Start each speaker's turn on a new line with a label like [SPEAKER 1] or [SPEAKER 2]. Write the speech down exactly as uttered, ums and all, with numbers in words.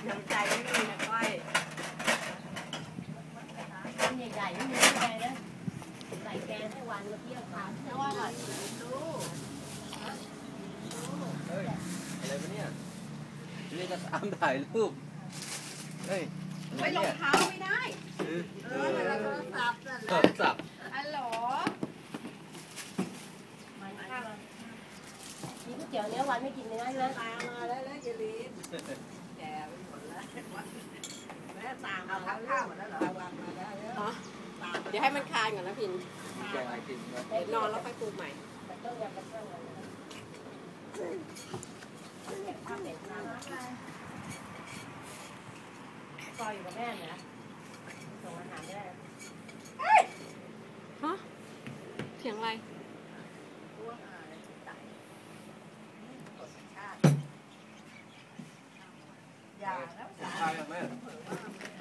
[SPEAKER 1] น้ำใจไม่มีนะก้อย
[SPEAKER 2] ทำใหญ่ๆไม่มีแกนะใส่แกงให้วันมาเที่ยวทานเพราะว่าอร่อยดู
[SPEAKER 3] เฮ้ยอะไรวะเนี่ยนี่จะตามถ่ายรูปเฮ้ย
[SPEAKER 1] ไม่รองเท้าไม่ได้เออโทรศัพท์นั่นแหละ
[SPEAKER 3] โทรศัพท์
[SPEAKER 1] ฮัลโหล
[SPEAKER 2] มีก๋วยเตี๋ยวเนื้อวันไม่กินเลยนะ
[SPEAKER 1] ตามมาแล้วแล้วเจลีนแกไปหมดแล้วแม่ตามมาทักข้าวหมดแล้วเหรอวางมาได้แล้ว
[SPEAKER 4] เดี๋ยวให้มันคลายก่อนนะพิน
[SPEAKER 3] แกอะไรกินวะ
[SPEAKER 4] เดี๋ยวนอนแล้วค่อยปรุงใหม่
[SPEAKER 2] แต่ต้องยังเป็นเรื่องอะไรเก็บข้าวเด็ดน้ำซอยอยู่กับแม่เนี่ยส่งอาหารได้
[SPEAKER 4] ฮะเสียงอะไร
[SPEAKER 1] อย่าแล้ว
[SPEAKER 3] ใช่ไหม